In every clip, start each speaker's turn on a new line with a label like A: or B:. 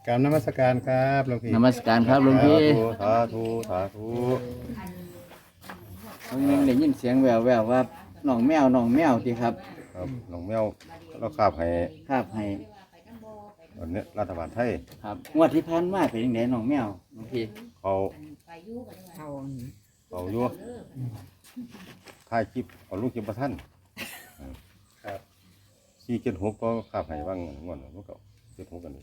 A: ราบนมัสการครับหลวงพี่
B: นมัสการครับหลวงพี่
C: สาธุสาธุ
B: บางนึงได้ยินเสียงแววๆว่าน้องแมวติครับ
C: ครับน้องแมวเราคาบให้
B: ครับให้
C: อันนี้รัฐบาลไทย
B: ครับงวดที่ผ่านมาเป็นจังไดน้องแมวหลวงพี่
C: เขา
D: เขา
C: เขาอยู่ถ่ายคลิปเอาลูกคลิปประท่าน
A: ครับ
C: 476ก็คาบให้บ้างงวดมันก็76กันนี่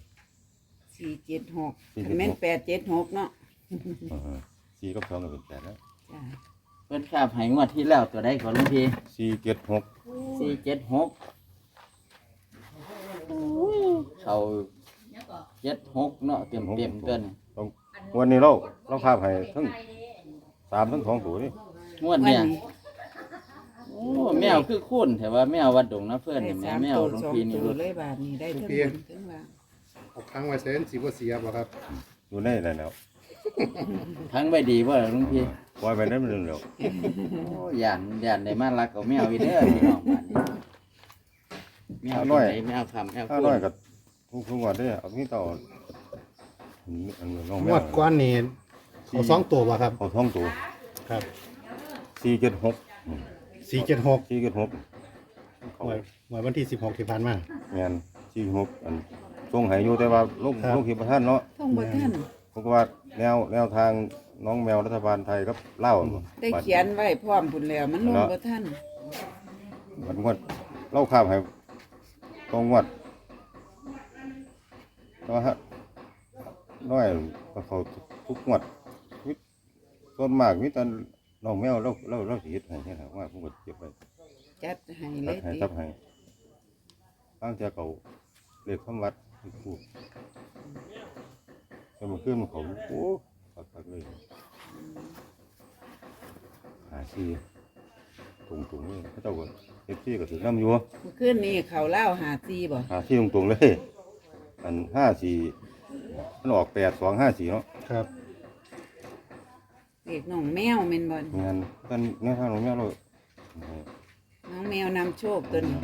D: 476แม่น876เนาะ
C: 4กับ2ก็เป็น8แล้ว
D: จ้า
B: เพิ่นครับให้งวดที่แล้วตัวใดก่อนหลวงพี่
C: 476
B: 476เขา76เนาะเต็มเต้น
C: วันนี้เราคาบให้ทั้ง3ทั้ง2ตัวนี่
B: งวดเนี่ยโอ้แมวคือคุ้นแต่ว่าแมววัดดงนะเพื่อน
D: ได้
B: นี่
D: สาม
B: แมว
D: ตัว
B: หลวง
D: สอง
B: พี่นี่
D: ตัว
B: รุด
D: เลยบาทนี้ได้ทั้งบนทั้งล่าง
A: เอาค้างไว้เส้นสีบ่เสียบ่ครับ
C: อยู่ในนั่นแล้ว
B: ทั้งใบดีบ่หลวงพี่
C: ปล่อยไปได้มันแล้ว
B: โอ้ย่านได้มารักเอาแมวอีเด้อพี่น้องบ้านนี้แมวที่ไหนแมวคำแมว
C: ถ้า
B: คุ้
C: น้อย
B: น
C: ก็ทุกงวดเด้อเอาที่ต่ออันน้องแม
A: ง
C: ว
A: วดก้อนนี่เอาสองตัวบ่ครับ
C: เขาท้องตัว
A: ครับ
C: 476
A: 476
C: 476เขา
A: หวยวันที่16ที่ผ่านมา
C: แม่น476อันส่งให้อยู่แต่ว่าลง
A: ครับ
C: ลงคลิปบ่ทันเนาะ
D: ท่องบ่ท่าน
C: ผมก็ว่าแนวทางน้องแมวรัฐบาลไทยครับเล่า
D: ได้เขียนไว้พร้อมพุ่นแล้วมันลงบ่ท่าน
C: มันงวดเล่าข้ามให้ตรงงวดนะฮะน้อยก็เขาทุกงวดส่วนมากมีแต่น้องแมวเราสิเฮ็ดให้เนี่ยว่าผมก็เก็บไว้
D: จัดให้เล
C: ตัด
D: ย
C: ให้
D: ติ
C: ตับให้บางเทื่อเขาเลขคำวัดพูดแต่มันขึ้นมันเขาโอ้ปักเลยหาซีตรงๆเลยเขาเจ้าก็เอฟซีก็ถือน้ำอยู่
D: เมื่อคืนนี้เขาเล่าหาซีบ่
C: หาซีตรงๆเลยอัน54มันออก8254เนาะ
A: ครับ
D: เด็กน้องแมวแม่นบ่
C: งานกันแนวทางของแม่เรา
D: น้องแมวนำโชคตัวนี้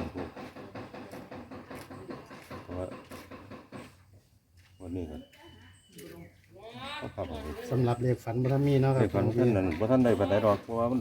C: เพราะว่าวันนี้ก็เขาขับออกไป
A: สำหรับเลขฝันบ่ทันมีเนาะครั
C: เด็
A: บ
C: กคนท่านนั้นบ่ท่านได้ปานใดดอกเพราะว่ามัน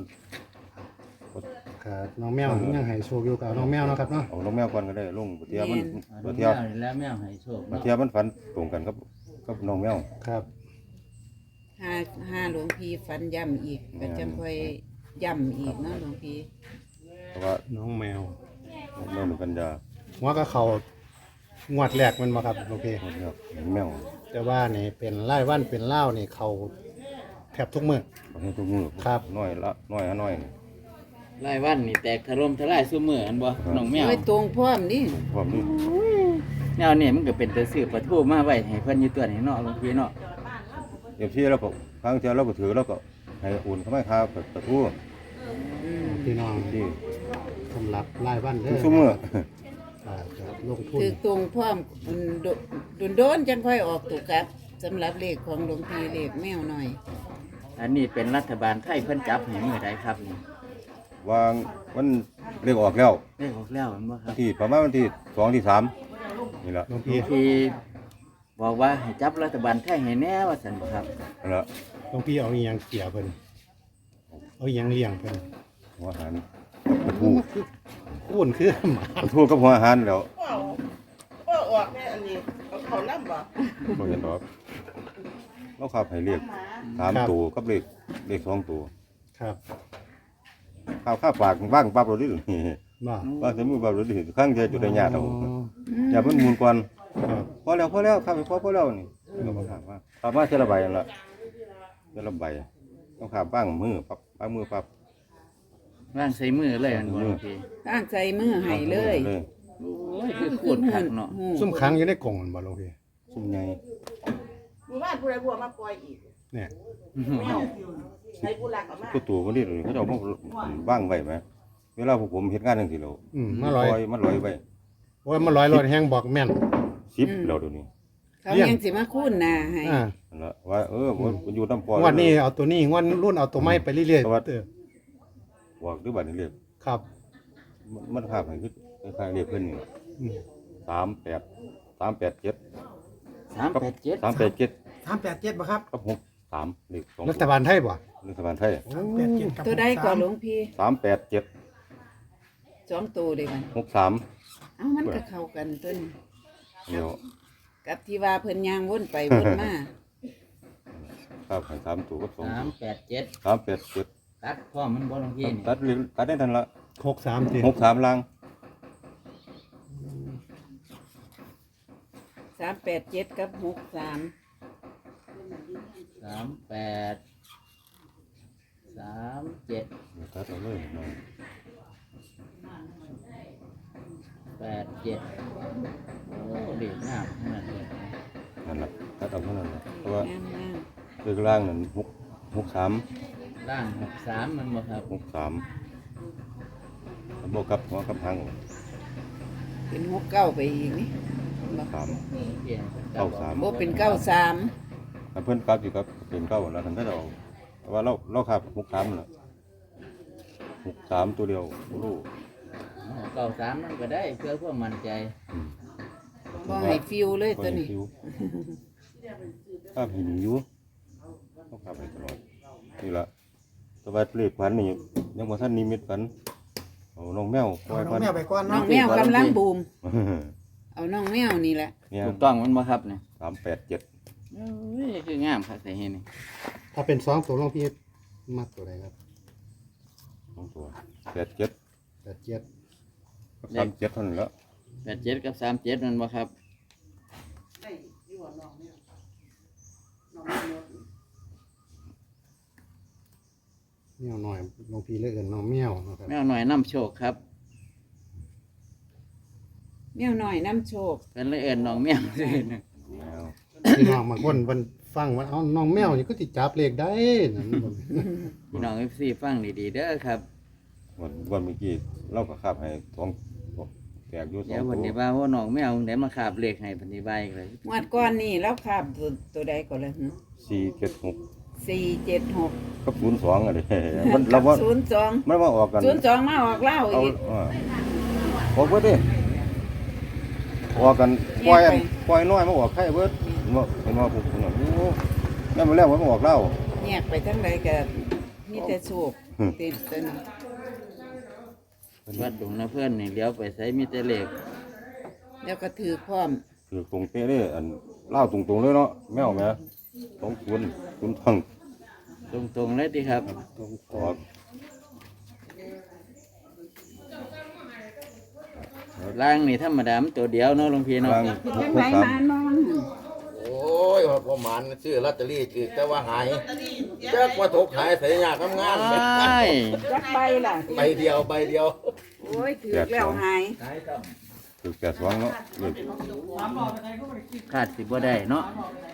A: ครับน้องแมวยังให้โชคอยู่กับน้องแมวเนาะครับเนาะ
C: เอาน้องแมวก่อนก็ได้ลงบ่เทียมัน
B: น้
C: บ่
B: อง
C: เที
B: แม
C: ยว
B: นี่แหล้วแมวให้โชค
C: บ่
B: เนาะ
C: เทียมันฝันตรงกันกับน้องแมว
A: ครับ
D: ห้าหลวงพี่ฟันย่ำอีกก็จังค่อยย่ำอีกเนาะหลวงพี่
C: เพราะว่า
A: น้องแมว
C: แมวมันปัญญา
A: หัวก็เขางวดแรกมันบ่ครับหลวงพี่
C: คนเนี่ยแมว
A: แต่ว่านี่เป็นรายวันเป็นเล่าวนี่เขาแทบทุกมื้อ
C: บ่ให้ทุกมือ
A: ครับ
C: น้อยละน้อยหาน้อยนี่
B: รายวันนี่แตกถล่มทลายซุมื้ออันบ่น้องแมว
D: ไว้ตรงพร้อมนี่
C: พร้อมนี่
B: แนวนี่มันก็เป็นแต่ซื้อปลาทูมาไว้ให้เพิ่นอยู่ตัวนี้เนาะหลวงพี่เนาะ
C: เดี๋ยวที่เราก็ครั้งเที่ยวเราก็ถือเราก็ให้อุ่นเข้ามาค่าประตู
A: พี่น้อง
C: ที่
A: สำหรับรายวันเด้
C: ทุ
A: อก
C: ซุมื้อ
A: จะลงทุน
D: ถือตรงพร้อมโดนจังค่อยออกตุกครับสำหรับเลขของหลวงพี่เลขแมวหน่อย
B: อันนี้เป็นรัฐบาลไทยเพิ่นจับให้มื้อใดครับนี่
C: วางมันเรียกออกแล้ว
B: ได้ออกแล้วแม่นบ่ค
C: วั
B: รั
C: น
B: บ
C: ที่ประมาณวันที่2ที่3นี่ล่ะ
A: หลวง
B: หลว
A: พี่
B: งพี่บอกว่าให้จับรัฐบาลไทยให้แน่ว่าซั่นบ่ครับ
C: นั่นล่ะ
A: หลวงพี่เอาอีหยังเกี่ยวเพิ่นเอาอีหยังเลี้ยงเพิ่น
C: หัวอาหารประตู
A: อ้วนคือหมา
C: ประตูกับหัวอาหารแล้ว
E: ก็ออกแม่อันนี้เขาน้ำบ่
C: บ่เห็นดอกเราขับให้เรียก3ตัวกับเลข2ตัว
A: ครับ
C: ข้าวฝากว่างปั๊บเราดิ
A: บ่
C: ว่างใส่มือปั๊บเราดิครั้งเดียวจุดได้ยากเอา
A: อ๋อ
C: อย่ามันหมุนก่อน
A: ครับ
C: พอแล้วข้าวไปพอแล้วนี่ก็บ่ถามว่าถามว่าเท่าละใบนั่นล่ะเท่าละใบต้องขับบ้างมือปั๊บป้ามือปั๊บ
B: วางใส่มือเลยอันบ่หลวงพี่
D: ตั้งใจมือให้เลย
B: โอ้ยคือโคตรคักเนาะ
A: ซุ่มค้างอยู่ในกล่องมันบ่หลวงพี่
C: ซุ่มใหญ่
E: มีบ้านผู้ใดบัวมาปล่อยอีก
A: เนี่ย
E: แมวให้ผู้รักเอามา
C: ก็ตัวมันนี่เขาจะเอามาว่างไว้ไหมเวลาพวกผมเฮ็ดงานจังซี่แล้ว
A: มาลอย
C: มันลอยไว้
A: โอ้ยมาลอยรถแห้งบอกแม่น
C: 10แล้วเดี๋ยวนี้
D: เขายังสิมาคุ้นหนาให้
A: อ่า
C: นั่นล่ะว่ามันอยู่น้ำปอย
A: งวดนี้เอาตัวนี้งวดรุ่นเอาตัวไม้ไปเรื่อย
C: สวัส
A: ๆ
C: ดิ์ บอกด้วยบัดนี้เรียก
A: ครับ
C: มันภาพให้คือคล้ายๆเรียกเพิ่นนี่
A: อืม
C: 38 387
B: 387
C: 387
F: 387บ่ครับ
C: กับ63เลข2
A: รัฐบาลไทยบ่
C: รัฐบาลไทย
F: 387กับ
D: ตัวใดก่อนหลวงพี่
C: 387
D: 2ตัวเด้มัน
C: 63
D: เอ้ามันก็เข้ากันตัวนี้
C: เดี๋ยว
D: กับที่ว่าเพิ่นย่างวนไปวนมา
C: ครับให้3ตัวกับ2ตัว
B: 387
C: 387
B: ตัดพร้อมมันบ่หลวงพี่นี่
C: ตัดได้ทันละ
A: 63ติ
C: 63ล่าง
D: 387กับ63
B: 38 37
C: ตัดเอาเลยน้อง
B: 87โอ้เด็กงามขนาดนี้
C: นั่นล่ะตัดเอาเท่านั้นล่ะเพราะว่าง
D: าม
C: เลขล่างนั่น63
B: ร่าง63มันบ่ครับ
C: 63บ่กับหัวกับหาง
D: ๆเป็น69ไปอีกนี่บ่
C: 3
B: เปลี่ยน
C: 93
D: บ่เป็น93
C: ถ้าเพิ่นกลับอยู่กับเป็นเก้าแล้วท่านก็จะเอาแต่ว่าเราขับ63นั่นล่ะ63ตัวเดียวบ่รู้
B: 93มันก็ได้เพื่อความมั่นใจ
D: บ่ให้ฟิวเลยตัวนี้
C: ข้าหินอยู่ต้องขับไปตลอดนี่ละแตัวาเลขฝันนี่ยังบ่ทันนิมิตฝันเอาน้องแมวปล่อย
F: น้อ
C: ฝั
F: ง
C: น
F: แมวไปก่อน
D: น้อ
F: เนาะ
D: งแมวกำลังบูม เอาน้องแมวนี่แหละ
C: เนี่ย
B: ถูกต้องมันบ่ครับเนี่ย
C: 387
B: เอ้ยคืองามครับแต่เห็นนี่
A: ถ้าเป็น2ตัวหลวงพี่มักตัวใดครับ
C: สองตัว87
A: 87
C: 37เท่านั้นแล้ว
B: 87กับ37มันบ่ครับ
A: แมวหน่อยหลวงพี่เรียกกันน้องแมวนะครับ
B: แมวหน่อยน้ำโชคครับ
D: แมวน้อยน้ำโชค
B: เป็นเลยเอิ้นน้องแมวซื่อนะ
C: แมว
A: พี่น้องบางคนเพิ่นฟังว่าเอ้าน้องแมวนี่ก็สิจับเลขได้นั่นบ่
B: พี่น้อง FC ฟังดีๆเด้อครับ
C: วันเมื่อกี้เราก็ขับให้สองแตกอยู่สอ
B: เดี๋ย
C: ง
B: ว
C: ตั
B: วัน
C: ว
B: นี้ว่าว่าน้องแมวได้มาคาบเลขให้ปฏิบัติเลย
D: งวดก่อนนี่แล้วคาบตัวใดก่อนเลย
C: 476
D: 476
C: กับ02อะไรมันเราว่า
D: 02
C: มันมาออกกัน
D: 02มาออกเล่า
C: เอา
D: อีก
C: ออกเบิดดิออกกันปล่อยอันปล่อยน้อยมาออกไข่เบิดเห็นว่าพวกนั้นโอ้แม่นมาแล้วมันมาออกเหล้า
D: แยกไปทั้งใดก็มีแต่โชคติดตัวนี้
B: วัดดงนะเพื่อนนี่เลี้ยวไปใส่มีแต่เลข
D: แล้วก็ถือพร้อม
C: คือตรงเป๊ะเลยอันเหล้าตรงๆเลยเนาะแมวแม่ต้องคุณทัง
B: ตรงๆเลยดีครับ
C: ออก
B: ล่างนี่ธรรมดามันตัวเดียวเนาะหลวงพี่เนาะ
C: กลาง
D: จังไหนมานอน
G: โอ้ยประมาณซื้อลอตเตอรี่คือแต่ว่าหายแจ๊กว่าถกหายใส่ยากทำงาน
B: ใช่
D: จักใบล่ะ
G: ใบเดียวใบเดียว
D: โอ้ยถือแล้วหาย
C: คือแก่สว่างเนาะเลย
B: ขาดสิบ่ได้เนาะ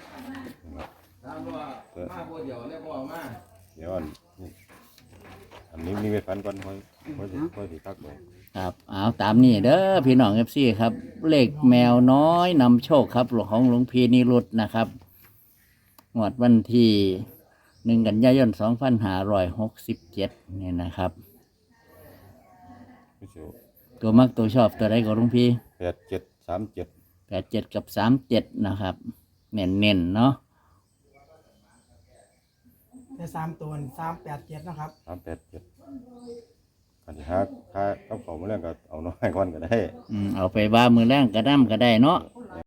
C: เดี๋ยวอันนี้มีเวทฟันก่อนค่อยสิทักบอก
B: ครับเอาตามนี้เด้อพี่น้อง FC ครับ เลขแมวน้อยนำโชคครับของหลวงพี่นิรุตนะครับงวดวันที่1 กันยายน 2567นี่นะครับ
C: ไม่เชียว
B: ตัวมักตัวชอบตัวใดก็หลวงพี่
C: 8737
B: 87กับ37นะครับเน้นๆเนาะ
F: แต่3ตัวนี่387เนาะครับ
C: 387อันที่ห้าเอาของมาเรื่องก็เอาน้อยก่อนก็ได้
B: เอาไปว่ามือแรงกระด้ำก็ได้เนาะ